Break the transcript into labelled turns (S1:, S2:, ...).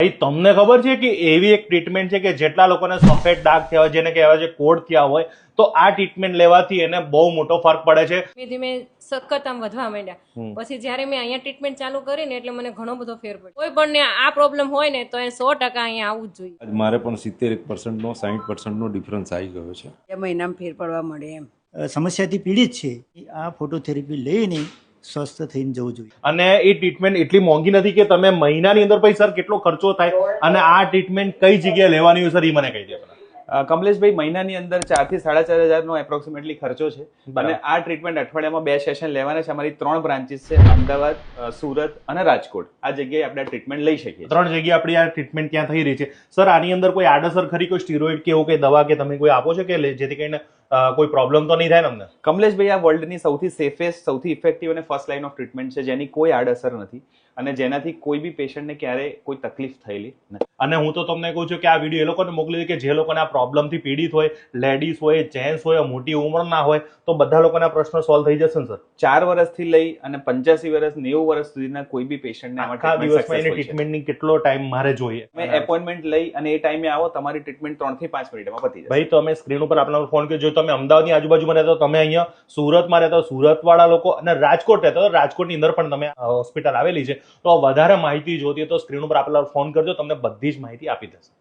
S1: ભાઈ તમને ખબર છે કે એવી એક ટ્રીટમેન્ટ છે કે જેટલા લોકોને સફેદ ડાઘ થયા હોય, જેને કહેવાય છે કોડ થયા હોય, તો આ ટ્રીટમેન્ટ લેવાથી એને બહુ મોટો ફરક પડે છે.
S2: ધીમે ધીમે સખત આમ વધવા માંડ્યા. પછી જ્યારે મેં અહીંયા ટ્રીટમેન્ટ ચાલુ કરી ને એટલે મને ઘણો બધો ફેર પડ્યો. કોઈ પણ ને આ પ્રોબ્લેમ હોય ને તો એ 100% અહીંયા આવવું જ જોઈએ.
S3: મારે પણ 70% નો 60% નો ડિફરન્સ આવી ગયો છે.
S4: 2 મહિનામાં ફેર પડવા મળે એમ.
S5: સમસ્યાથી પીડિત છે આ ફોટોથેરાપી લઈને સ્વસ્થ થઈને જવું જોઈએ.
S1: અને એ ટ્રીટમેન્ટ એટલી મોંઘી નથી કે તમે મહિનાની અંદર પછી સર કેટલો ખર્ચો થાય અને આ ટ્રીટમેન્ટ કઈ જગ્યાએ લેવાની હોય સર એ મને કહી દે.
S6: કમલેશભાઈ, મહિનાની અંદર 4,000 થી 4,500 નો એપ્રોક્સિમેટલી ખર્ચો છે. અને આ ટ્રીટમેન્ટ અઠવાડિયામાં 2 સેશન લેવાના છે. અમારી 3 બ્રાન્ચીસ છે, અમદાવાદ, સુરત અને રાજકોટ. આ જગ્યાએ આપણે ટ્રીટમેન્ટ લઈ શકીએ.
S1: 3 જગ્યાએ આપણી આ ટ્રીટમેન્ટ ત્યાં થઈ રહી છે. સર આની અંદર કોઈ આડઅસર ખરી, કોઈ સ્ટીરોઇડ કે એવું કઈ દવા કે તમે કોઈ આપો છો કે જેથી કરીને કોઈ પ્રોબ્લેમ તો નહીં થાય ને અમને?
S6: કમલેશભાઈ, આ વર્લ્ડની સૌથી સેફેસ્ટ, સૌથી ઇફેક્ટિવ અને ફર્સ્ટ લાઇન ઓફ ટ્રીટમેન્ટ છે, જેની કોઈ આડઅસર નથી અને જેનાથી કોઈ બી પેશન્ટને ક્યારેય કોઈ તકલીફ થયેલી નથી.
S1: અને હું તો તમને કહું છું કે આ વિડીયો એ લોકોને મોકલી દે કે જે લોકોને આ પ્રોબ્લેમથી પીડિત હોય, લેડીઝ હોય, જેન્ટ્સ હોય, મોટી ઉંમરના હોય, તો બધા લોકોના પ્રશ્ન સોલ્વ થઈ જશે ને સર?
S6: 4 વર્ષથી લઈ અને 85 વર્ષ, 90 વર્ષ સુધીના કોઈ બી પેશન્ટને
S1: આખા દિવસમાં એની ટ્રીટમેન્ટની કેટલો ટાઈમ મારે જોઈએ?
S6: તમે એપોઇન્ટમેન્ટ લઈ અને એ ટાઈમે આવો, તમારી ટ્રીટમેન્ટ 3 થી 5 મિનિટમાં પતી જશે.
S1: ભાઈ તો અમે સ્ક્રીન ઉપર આપણા ફોન કર્યો. જો તમે અમદાવાદની આજુબાજુમાં રહેતા, તમે અહીંયા સુરતમાં રહેતા, સુરત વાળા લોકો અને રાજકોટ રહેતા, તો રાજકોટની અંદર પણ તમે હોસ્પિટલ આવેલી છે, તો વધારે માહિતી જોતી હોય તો સ્ક્રીન ઉપર આપેલા ફોન કરજો, તમને બધી જ માહિતી આપી દેશે.